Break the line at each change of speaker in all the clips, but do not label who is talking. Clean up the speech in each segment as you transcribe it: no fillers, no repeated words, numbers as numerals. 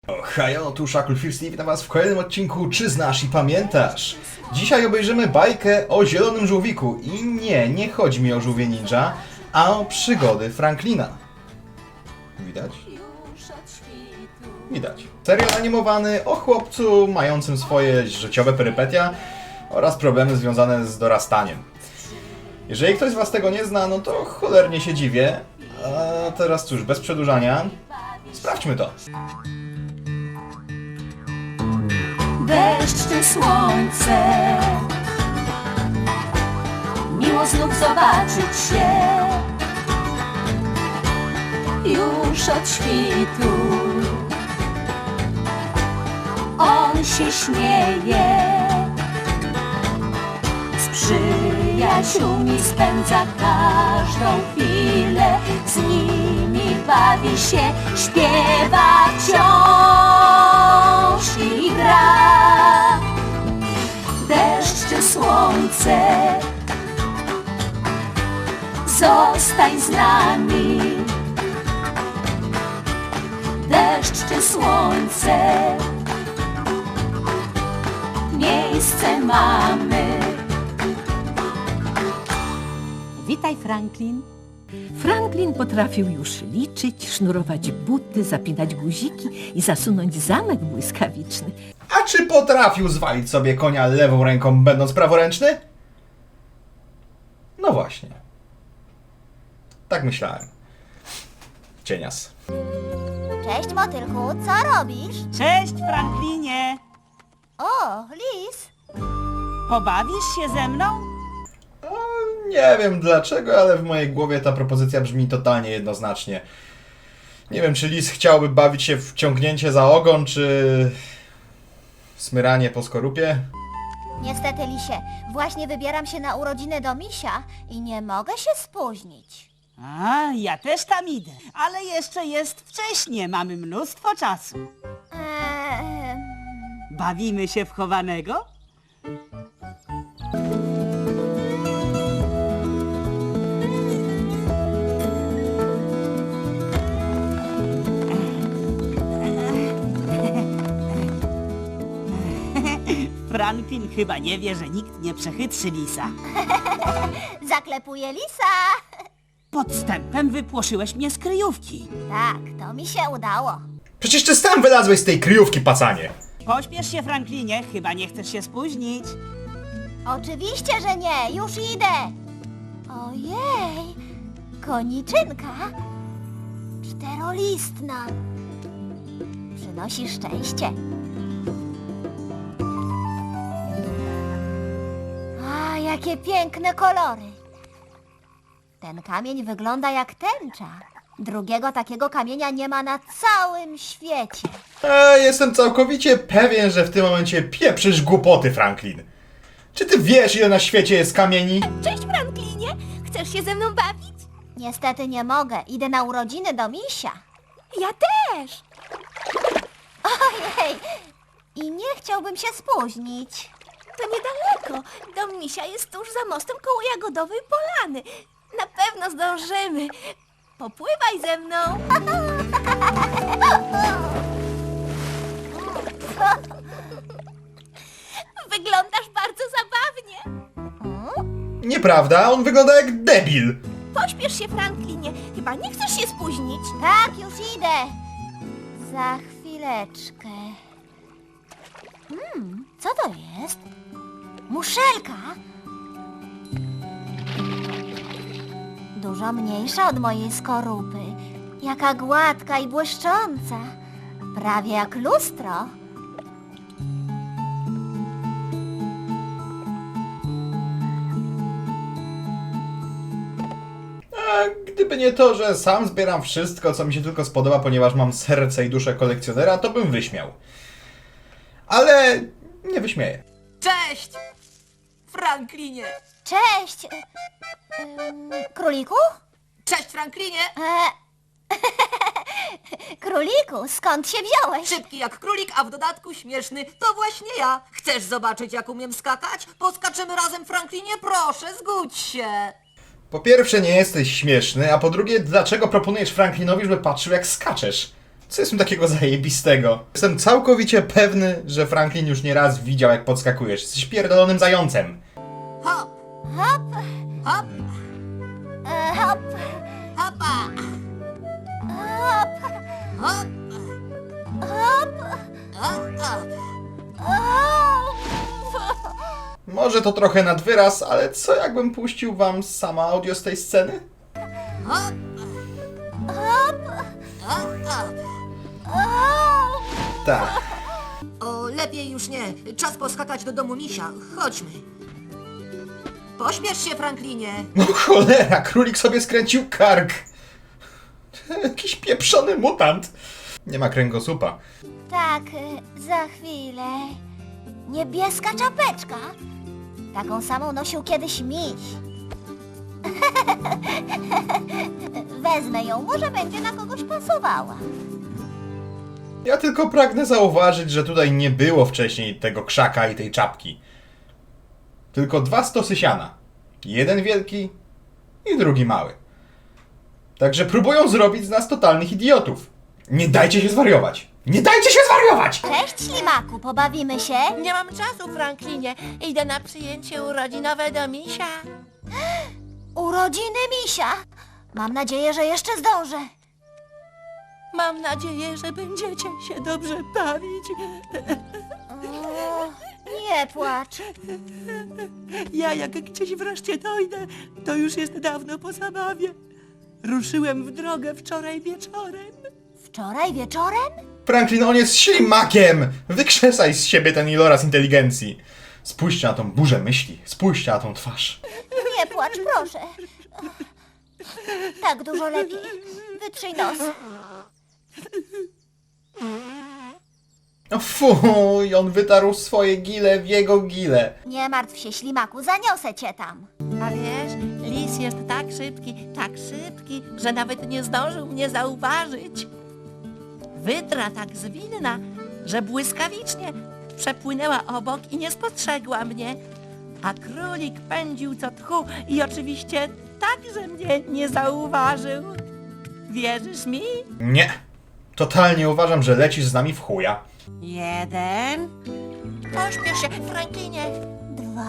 Hajo, tu Shacklefield i witam was w kolejnym odcinku Czy znasz i pamiętasz? Dzisiaj obejrzymy bajkę o zielonym żółwiku i nie chodzi mi o żółwie ninja, a o przygody Franklina. Widać? Widać. Serial animowany o chłopcu mającym swoje życiowe perypetia oraz problemy związane z dorastaniem. Jeżeli ktoś z was tego nie zna, no to cholernie się dziwię. A teraz cóż, bez przedłużania, sprawdźmy to.
Deszcz czy słońce, miło znów zobaczyć się. Już od świtu on się śmieje, z przyjaciółmi spędza każdą chwilę, z nimi bawi się, śpiewa wciąż i gra. Deszcz czy słońce, zostań z nami. Deszcz czy słońce, miejsce mamy.
Witaj, Franklin. Franklin potrafił już liczyć, sznurować buty, zapinać guziki i zasunąć zamek błyskawiczny.
A czy potrafił zwalić sobie konia lewą ręką, będąc praworęczny? No właśnie. Tak myślałem. Cienias.
Cześć, motylku, co robisz?
Cześć, Franklinie!
O, lis.
Pobawisz się ze mną?
Nie wiem dlaczego, ale w mojej głowie ta propozycja brzmi totalnie jednoznacznie. Nie wiem, czy lis chciałby bawić się w ciągnięcie za ogon, czy smyranie po skorupie.
Niestety, lisie, właśnie wybieram się na urodziny do misia i nie mogę się spóźnić.
A, ja też tam idę, ale jeszcze jest wcześnie, mamy mnóstwo czasu.
Eee,
Bawimy się w chowanego? Franklin chyba nie wie, że nikt nie przechytrzy lisa.
zaklepuję lisa.
Podstępem wypłoszyłeś mnie z kryjówki.
Tak, to mi się udało.
Przecież ty sam wylazłeś z tej kryjówki, pacanie!
Pośpiesz się, Franklinie, chyba nie chcesz się spóźnić.
Oczywiście, że nie, już idę. Ojej, koniczynka. Czterolistna. Przynosi szczęście. A, jakie piękne kolory. Ten kamień wygląda jak tęcza. Drugiego takiego kamienia nie ma na całym świecie.
Jestem całkowicie pewien, że w tym momencie pieprzysz głupoty, Franklin. Czy ty wiesz, ile na świecie jest kamieni?
Cześć, Franklinie! Chcesz się ze mną bawić? Niestety nie mogę. Idę na urodziny do misia. Ja też! Ojej! I nie chciałbym się spóźnić. To niedaleko. Dom misia jest tuż za mostem koło Jagodowej Polany. Na pewno zdążymy. Popływaj ze mną. Wyglądasz bardzo zabawnie.
Nieprawda, on wygląda jak debil.
Pośpiesz się, Franklinie. Chyba nie chcesz się spóźnić. Tak, już idę. Za chwileczkę. Co to jest? Muszelka? Dużo mniejsza od mojej skorupy. Jaka gładka i błyszcząca. Prawie jak lustro.
A gdyby nie to, że sam zbieram wszystko, co mi się tylko spodoba, ponieważ mam serce i duszę kolekcjonera, to bym wyśmiał. Ale nie wyśmieję.
Cześć, Franklinie.
Cześć! Króliku?
Cześć, Franklinie.
Króliku, skąd się wziąłeś?
Szybki jak królik, a w dodatku śmieszny. To właśnie ja. Chcesz zobaczyć, jak umiem skakać? Poskaczymy razem, Franklinie? Proszę, zgódź się.
Po pierwsze, nie jesteś śmieszny, a po drugie, dlaczego proponujesz Franklinowi, żeby patrzył, jak skaczesz? Co jest w tym takiego zajebistego? Jestem całkowicie pewny, że Franklin już nie raz widział, jak podskakujesz. Jesteś pierdolonym zającem.
Hop, hop, hop, hop, hopa, hop, hop, hop, hop, hop.
Może to trochę nad wyraz, ale co jakbym puścił wam sama audio z tej sceny?
Hop, hop, hop, hop.
Tak.
O, lepiej już nie. Czas poskakać do domu misia. Chodźmy. Pośpiesz się, Franklinie.
No cholera, królik sobie skręcił kark. Jakiś pieprzony mutant. Nie ma kręgosłupa.
Tak, za chwilę. Niebieska czapeczka. Taką samą nosił kiedyś miś. Wezmę ją, może będzie na kogoś pasowała.
Ja tylko pragnę zauważyć, że tutaj nie było wcześniej tego krzaka i tej czapki. Tylko 2 stosy siana. Jeden wielki i drugi mały. Także próbują zrobić z nas totalnych idiotów. Nie dajcie się zwariować! Nie dajcie się zwariować!
Cześć, ślimaku, pobawimy się?
Nie mam czasu, Franklinie. Idę na przyjęcie urodzinowe do misia.
Urodziny misia. Mam nadzieję, że jeszcze zdążę.
Mam nadzieję, że będziecie się dobrze bawić.
O, nie płacz.
Ja jak gdzieś wreszcie dojdę, to już jest dawno po zabawie. Ruszyłem w drogę wczoraj wieczorem.
Wczoraj wieczorem?
Franklin, on jest ślimakiem! Wykrzesaj z siebie ten iloraz inteligencji. Spójrzcie na tą burzę myśli. Spójrzcie na tą twarz.
Nie płacz, proszę. Tak dużo lepiej. Wytrzyj nos.
O fuj, on wytarł swoje gile w jego gile.
Nie martw się, ślimaku, zaniosę cię tam.
A wiesz, lis jest tak szybki, że nawet nie zdążył mnie zauważyć. Wydra tak zwinna, że błyskawicznie przepłynęła obok i nie spostrzegła mnie. A królik pędził co tchu i oczywiście także mnie nie zauważył. Wierzysz mi?
Nie. Totalnie uważam, że lecisz z nami w chuja.
1. Pośpiesz się, Franklinie.
2.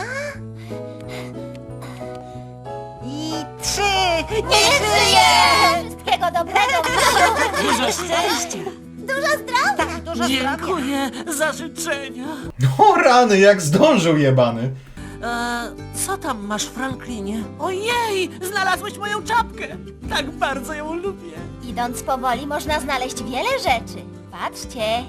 I 3.
Nie żyję! Wszystkiego dobrego, misiu.
Dużo szczęścia.
Dużo zdrowia.
Dużo zdrowia.
Dziękuję za życzenia.
No rany, jak zdążył jebany.
Co tam masz, Franklinie? Ojej, znalazłeś moją czapkę. Tak bardzo ją lubię.
Idąc powoli można znaleźć wiele rzeczy. Patrzcie.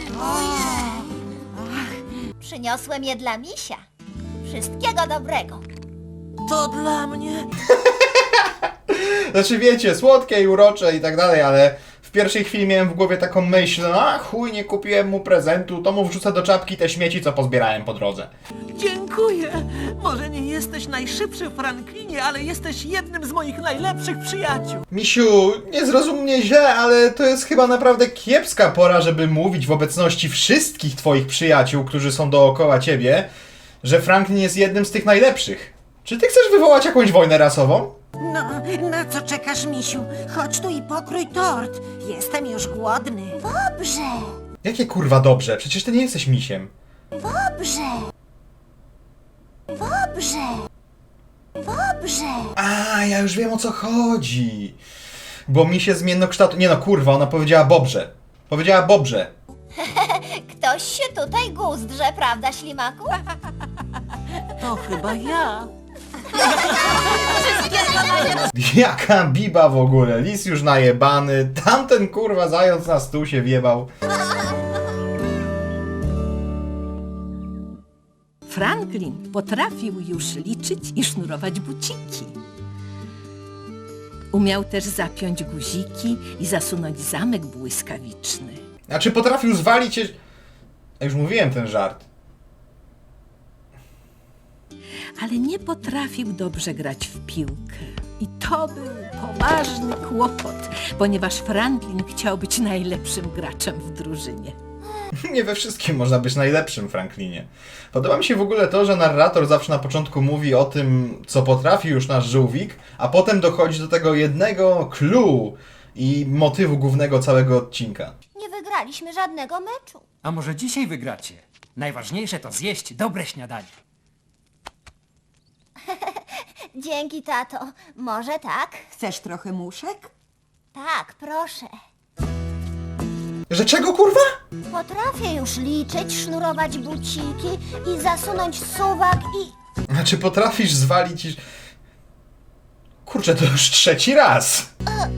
Przyniosłem je dla misia. Wszystkiego dobrego.
To dla mnie.
Znaczy wiecie, słodkie i urocze i tak dalej, ale w pierwszej chwili miałem w głowie taką myśl, a chuj, nie kupiłem mu prezentu, to mu wrzucę do czapki te śmieci, co pozbierałem po drodze.
Dziękuję. Może nie jesteś najszybszy, Franklinie, ale jesteś jednym z moich najlepszych przyjaciół.
Misiu, nie zrozum mnie źle, ale to jest chyba naprawdę kiepska pora, żeby mówić w obecności wszystkich twoich przyjaciół, którzy są dookoła ciebie, że Franklin jest jednym z tych najlepszych. Czy ty chcesz wywołać jakąś wojnę rasową?
No, na co czekasz, misiu? Chodź tu i pokrój tort. Jestem już głodny.
Dobrze,
Jakie kurwa dobrze, przecież ty nie jesteś misiem.
dobrze. Dobrze. Dobrze.
A, ja już wiem o co chodzi. Bo misie zmiennokształtu... Nie no, kurwa, ona powiedziała bobrze. Powiedziała bobrze.
Ktoś się tutaj guzdrze, prawda, ślimaku?
To chyba ja.
Jaka biba w ogóle, lis już najebany, tamten kurwa zając na stół się wjebał.
Franklin potrafił już liczyć i sznurować buciki. Umiał też zapiąć guziki i zasunąć zamek błyskawiczny.
Znaczy potrafił zwalić się... Ja już mówiłem ten żart.
Ale nie potrafił dobrze grać w piłkę. I to był poważny kłopot, ponieważ Franklin chciał być najlepszym graczem w drużynie.
Nie we wszystkim można być najlepszym, Franklinie. Podoba mi się w ogóle to, że narrator zawsze na początku mówi o tym, co potrafi już nasz żółwik, a potem dochodzi do tego jednego clue i motywu głównego całego odcinka.
Nie wygraliśmy żadnego meczu.
A może dzisiaj wygracie? Najważniejsze to zjeść dobre śniadanie.
Dzięki, tato. Może tak?
Chcesz trochę muszek?
Tak, proszę.
Że czego, kurwa?
Potrafię już liczyć, sznurować buciki i zasunąć suwak i...
Znaczy potrafisz zwalić i... Kurczę, to już trzeci raz.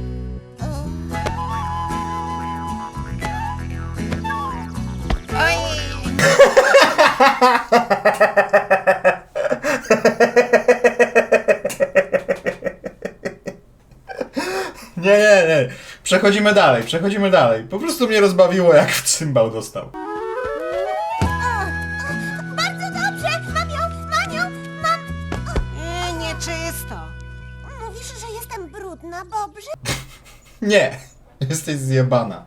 Nie. Przechodzimy dalej. Po prostu mnie rozbawiło, jak w cymbał dostał.
Bardzo dobrze! Mam ją! Mam!
Nieczysto.
Mówisz, że jestem brudna, Bobrze?
Nie, jesteś zjebana.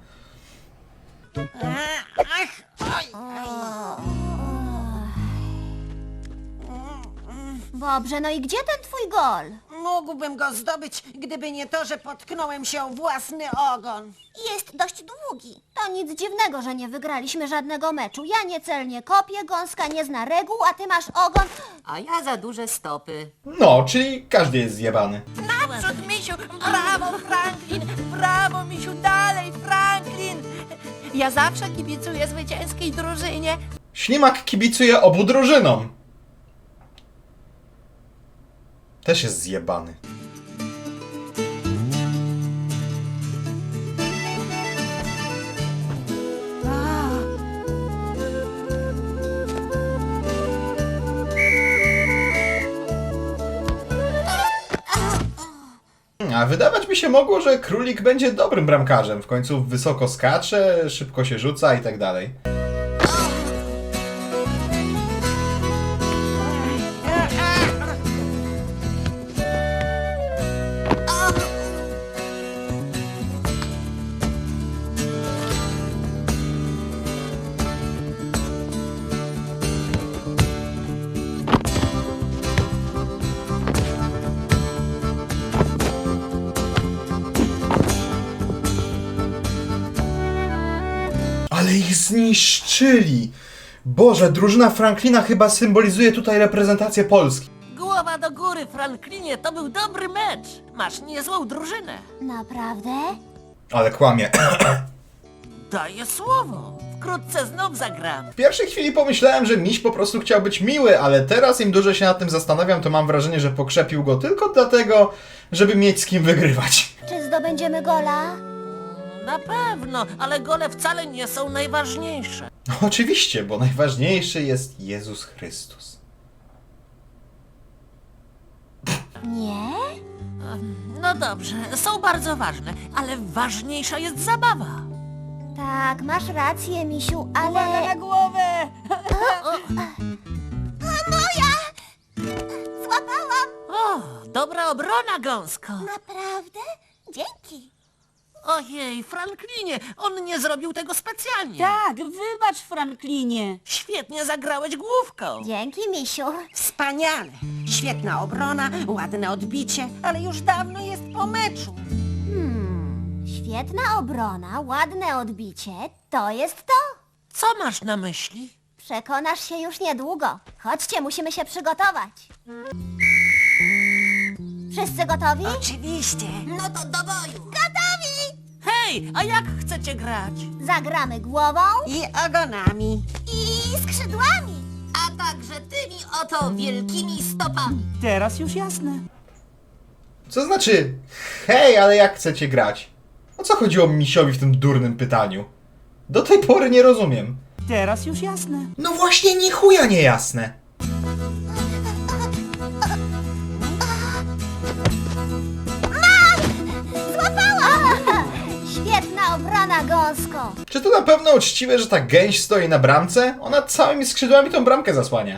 Bobrze, no i gdzie ten twój gol?
Mógłbym go zdobyć, gdyby nie to, że potknąłem się o własny ogon.
Jest dość długi. To nic dziwnego, że nie wygraliśmy żadnego meczu. Ja niecelnie kopię, Gąska nie zna reguł, a ty masz ogon...
A ja za duże stopy.
No, czyli każdy jest zjebany.
Naprzód, misiu! Brawo, Franklin! Brawo, misiu! Dalej, Franklin! Ja zawsze kibicuję zwycięskiej drużynie.
Ślimak kibicuje obu drużynom. Też jest zjebany. A wydawać mi się mogło, że królik będzie dobrym bramkarzem. W końcu wysoko skacze, szybko się rzuca i tak dalej. Ale ich zniszczyli! Boże, drużyna Franklina chyba symbolizuje tutaj reprezentację Polski.
Głowa do góry, Franklinie, to był dobry mecz. Masz niezłą drużynę.
Naprawdę?
Ale kłamie.
Daję słowo. Wkrótce znów zagram.
W pierwszej chwili pomyślałem, że miś po prostu chciał być miły, ale teraz im dłużej się nad tym zastanawiam, to mam wrażenie, że pokrzepił go tylko dlatego, żeby mieć z kim wygrywać.
Czy zdobędziemy gola?
Na pewno, ale gole wcale nie są najważniejsze.
No, oczywiście, bo najważniejszy jest Jezus Chrystus.
Nie?
No dobrze, są bardzo ważne, ale ważniejsza jest zabawa.
Tak, masz rację, misiu,
Uwaga
ale...
na głowę!
Moja! Złapałam!
O, dobra obrona, Gąsko.
Naprawdę? Dzięki.
Ojej, Franklinie, on nie zrobił tego specjalnie.
Tak, wybacz, Franklinie.
Świetnie zagrałeś główką.
Dzięki, misiu.
Wspaniale. Świetna obrona, ładne odbicie, ale już dawno jest po meczu.
Świetna obrona, ładne odbicie. To jest to.
Co masz na myśli?
Przekonasz się już niedługo. Chodźcie, musimy się przygotować. Wszyscy gotowi?
Oczywiście. No to do boju.
Gotowi!
Hej, a jak chcecie grać?
Zagramy głową
I ogonami.
i skrzydłami.
A także tymi oto wielkimi stopami.
Teraz już jasne.
Co znaczy, hej, ale jak chcecie grać? O co chodziło misiowi w tym durnym pytaniu? Do tej pory nie rozumiem.
Teraz już jasne.
No właśnie, ni chuja niejasne.
Złapałam! Świetna obrona, Gąsko.
Czy to na pewno uczciwe, że ta gęś stoi na bramce? Ona całymi skrzydłami tą bramkę zasłania.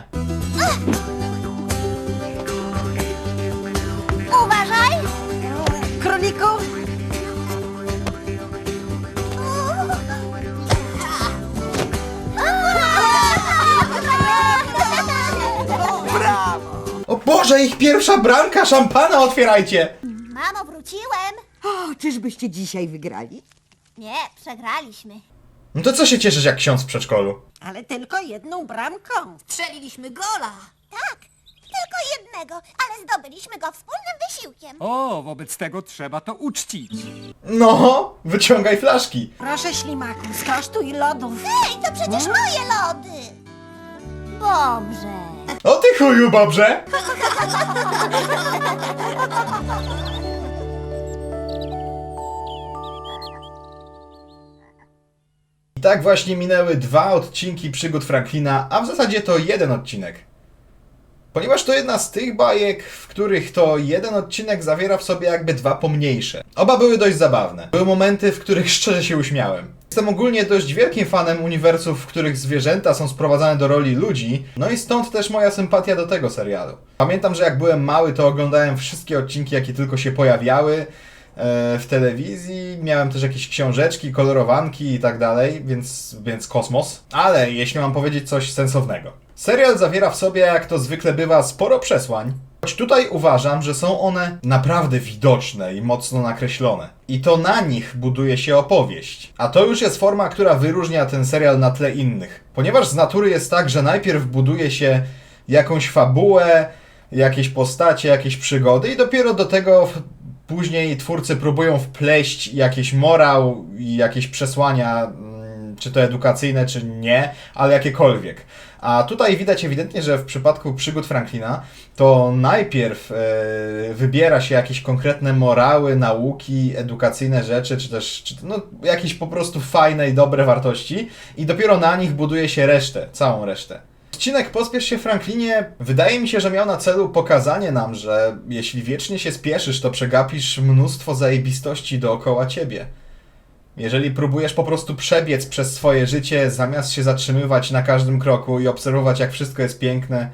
Uważaj!
Króliku,
O Boże, ich pierwsza bramka! Szampana otwierajcie!
Mamo, wróciłem.
O, czyżbyście dzisiaj wygrali?
Nie, przegraliśmy.
No to co się cieszysz jak ksiądz w przedszkolu?
Ale tylko jedną bramką.
Strzeliliśmy gola.
Tak, tylko jednego, ale zdobyliśmy go wspólnym wysiłkiem.
O, wobec tego trzeba to uczcić.
No, wyciągaj flaszki.
Proszę, ślimaku, skosztuj lodów.
Ej, to przecież moje lody. Dobrze.
O ty chuju, Bobrze! I tak właśnie minęły 2 odcinki przygód Franklina, a w zasadzie to jeden odcinek. Ponieważ to jedna z tych bajek, w których to jeden odcinek zawiera w sobie jakby 2 pomniejsze. Oba były dość zabawne. Były momenty, w których szczerze się uśmiałem. Jestem ogólnie dość wielkim fanem uniwersów, w których zwierzęta są sprowadzane do roli ludzi, no i stąd też moja sympatia do tego serialu. Pamiętam, że jak byłem mały, to oglądałem wszystkie odcinki, jakie tylko się pojawiały w telewizji, miałem też jakieś książeczki, kolorowanki i tak dalej, więc kosmos. Ale jeśli mam powiedzieć coś sensownego. Serial zawiera w sobie, jak to zwykle bywa, sporo przesłań, choć tutaj uważam, że są one naprawdę widoczne i mocno nakreślone. I to na nich buduje się opowieść. A to już jest forma, która wyróżnia ten serial na tle innych. Ponieważ z natury jest tak, że najpierw buduje się jakąś fabułę, jakieś postacie, jakieś przygody i dopiero do tego później twórcy próbują wpleść jakiś morał i jakieś przesłania, czy to edukacyjne, czy nie, ale jakiekolwiek. A tutaj widać ewidentnie, że w przypadku przygód Franklina to najpierw wybiera się jakieś konkretne morały, nauki, edukacyjne rzeczy, czy też jakieś po prostu fajne i dobre wartości i dopiero na nich buduje się resztę, całą resztę. Odcinek Pospiesz się, Franklinie wydaje mi się, że miał na celu pokazanie nam, że jeśli wiecznie się spieszysz, to przegapisz mnóstwo zajebistości dookoła ciebie. Jeżeli próbujesz po prostu przebiec przez swoje życie, zamiast się zatrzymywać na każdym kroku i obserwować, jak wszystko jest piękne,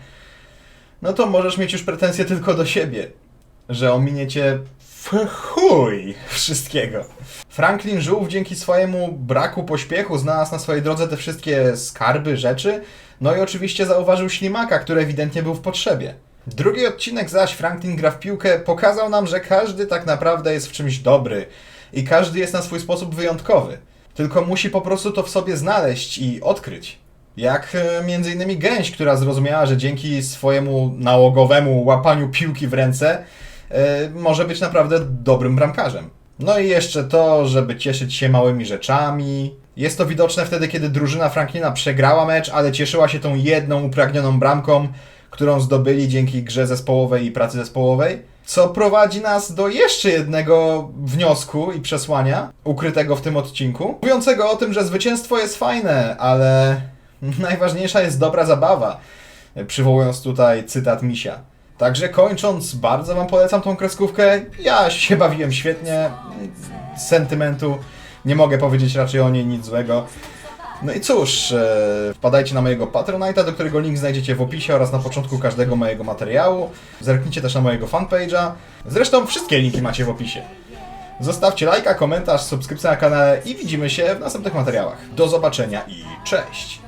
no to możesz mieć już pretensje tylko do siebie, że ominie cię w chuj wszystkiego. Franklin żółw dzięki swojemu braku pośpiechu znalazł na swojej drodze te wszystkie skarby, rzeczy, no i oczywiście zauważył ślimaka, który ewidentnie był w potrzebie. Drugi odcinek zaś, Franklin gra w piłkę, pokazał nam, że każdy tak naprawdę jest w czymś dobry i każdy jest na swój sposób wyjątkowy. Tylko musi po prostu to w sobie znaleźć i odkryć. Jak między innymi Gęś, która zrozumiała, że dzięki swojemu nałogowemu łapaniu piłki w ręce może być naprawdę dobrym bramkarzem. No i jeszcze to, żeby cieszyć się małymi rzeczami. Jest to widoczne wtedy, kiedy drużyna Franklina przegrała mecz, ale cieszyła się tą jedną upragnioną bramką, którą zdobyli dzięki grze zespołowej i pracy zespołowej. Co prowadzi nas do jeszcze jednego wniosku i przesłania, ukrytego w tym odcinku, mówiącego o tym, że zwycięstwo jest fajne, ale najważniejsza jest dobra zabawa, przywołując tutaj cytat Misia. Także kończąc, bardzo wam polecam tą kreskówkę. Ja się bawiłem świetnie, z sentymentu, nie mogę powiedzieć raczej o niej nic złego. No i cóż, wpadajcie na mojego Patronite'a, do którego link znajdziecie w opisie oraz na początku każdego mojego materiału. Zerknijcie też na mojego fanpage'a. Zresztą wszystkie linki macie w opisie. Zostawcie lajka, komentarz, subskrypcję na kanale i widzimy się w następnych materiałach. Do zobaczenia i cześć!